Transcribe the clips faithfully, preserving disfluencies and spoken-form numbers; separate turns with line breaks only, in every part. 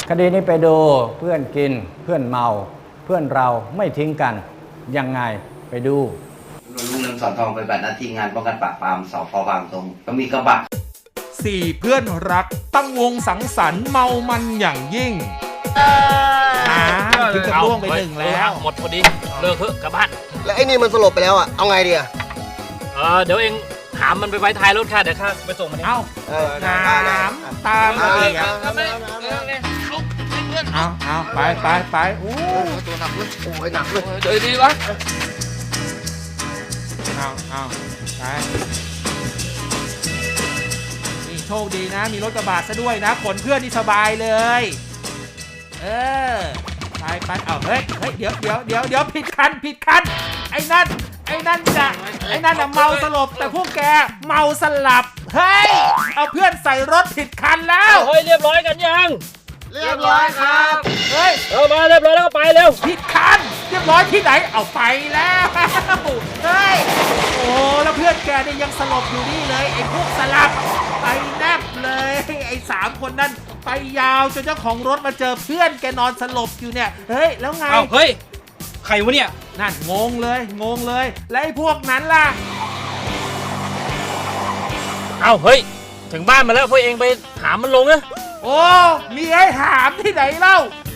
คดีนี้ไปดูเพื่อนกินเพื่อนเมาเพื่อนเราไม่ทิ้งกันยังไงไปดู
ลุงเรืองสอนทองไปบัตรหน้าที่งานป้องกันปราบปรามสพบางตรงก็มีกระบะ
สี่เพื่อนรักตั้งวงสังสรรค์เมามันอย่างยิ่งอ่าถึงกับล่วงไปหนึ่งแล้ว
หมดพอดีเลิกเถอะกลับบ้าน
แล้วไอ้นี่มันสลบไปแล้วอ่ะเอาไงดีอ่ะ
เออเดี๋ยวเองหามมันไปไว้ท้ายรถค่ะเดี๋ยวข้าไปส่งมันเอง
เอ้าน้ำตามมาอีกอ่ะเอาเอาไปไปไปโอ้
ตัวหนักเลยโอ้ยหนักเลย
เดี๋ยวดีวะ
เอาเอาไปนี่โชคดีนะมีรถกระบะซะด้วยนะขนเพื่อนนี่สบายเลยเออไปไปเอาเฮ้ยเฮ้ยเดี๋ยวเดี๋ยวเดี๋ยวเดี๋ยวผิดคันผิดคันไอ้นั่นไอ้นั่นจะไอ้นั่นน่ะเมาสลบแต่พวกแกเมาสลับเฮ้ยเอาเพื่อนใส่รถผิดคันแล้ว
เฮ้ยเรียบร้อยกันยัง
เรียบร้อยครับ
เฮ้ย
เอามาเรียบร้อยแล้วก็ไปเร็ว
ผิดคันเรียบร้อยที่ไหนเอาไปแล้วเฮ้ยโอ้แล้วเพื่อนแกเนี่ยยังสลบอยู่นี่เลยไอ้พวกสลับไปแนบเลยไอ้สามคนนั้นไปยาวจนเจ้าของรถมาเจอเพื่อนแกนอนสลบอยู่เนี่ยเฮ้ยแล้วไง
เอาเฮ้ยใครวะเนี่ย
นั่นงงเลยงงเลยแล้วไอ้พวกนั้นล่ะ
เอาเฮ้ยถึงบ้านมาแล้วพวกเองไปหามันลงนะ
โอ้มีไอ้หามที่ไหนเล่า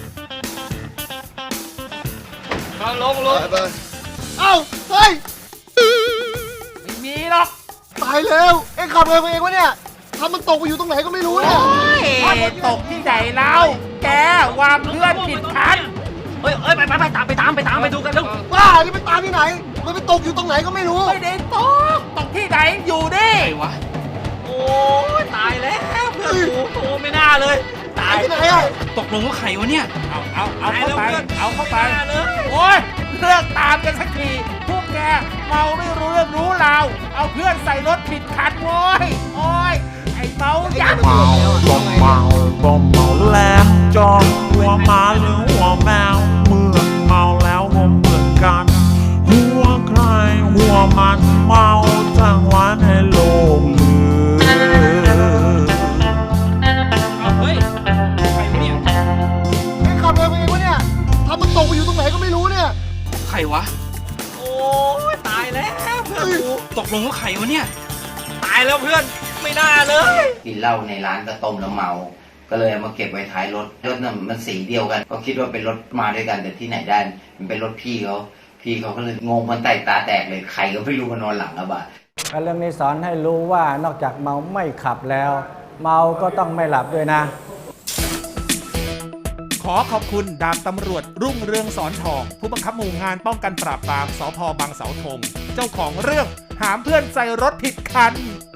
มาลงลง
เอ้าเฮ้ย
ไม่มีหรอก
ตายแล้วเอ็งขับเองเองวะเนี่ยทำมันตกไปอยู่ตรงไหนก็ไม่รู้เนี่ย
ตกที่ไหนเล่าแกวางเพื่อนผิดคัน
เฮ้ยเฮ้ยไปไปไปตามไปตามไปตามไปดูกันเร็ว
บ้านี่ไปตามที่ไหนมันไปตกอยู่ตรงไหนก็ไม่รู้
ไม่ได้ตกตกที่ไหนอยู่ดิ
ไอ้วะโอ้ตายแล้วเพื่อนกูโอ้ไม่น่าเลย
ตายที่ไหนอ่ะ
ตกลงว่าไข่วะเนี่ย
เอาเอาเอาเข้าไปเอาเข้าไปโอ้ยเลิกตามกันสักทีพวกแกเมาไม่รู้เรื่องรู้ราวเอาเพื่อนใส่รถผิดคันโว้ยโอ้ยไอ้เมายักษ์
เมาก็เมาก็เมาแล้วจองหัวหมาหรือหัวแมวเมื่อเมาแล้วก็เหมือนกันหัวใครหัวมันเมาทั้งวันให้โลกลืม
เอาเฮ้ยใครวะเนี่ย
เอ็งขับเองเองวะเนี่ยทำมันตกไปอยู่ตรงไหนก็ไม่รู้เนี่ย
ใครวะโอ้ตายแล้วเพื่อนกูตกลงว่าใครวะเนี่ยตายแล้วเพื่อนไม่น่าเลย
กินเหล้าในร้านก็ต้มแล้วเมาก็เลยเอามาเก็บไว้ท้ายรถรถน่ะมันสีเดียวกันก็คิดว่าเป็นรถมาด้วยกันแต่ที่ไหนได้มันเป็นรถพี่เขาพี่เขาก็เลยงงมันไต่ตาแตกเลยใครก็ไม่รู้มานอนหลังกระบะ
เรื่องนี้สอนให้รู้ว่านอกจากเมาไม่ขับแล้วเมาก็ต้องไม่หลับด้วยนะ
ขอขอบคุณดาบตำรวจรุ่งเรืองสอนทองผู้บังคับหมู่งานป้องกันปราบปรามสภ.บางเสาธงเจ้าของเรื่องหามเพื่อนใส่รถผิดคัน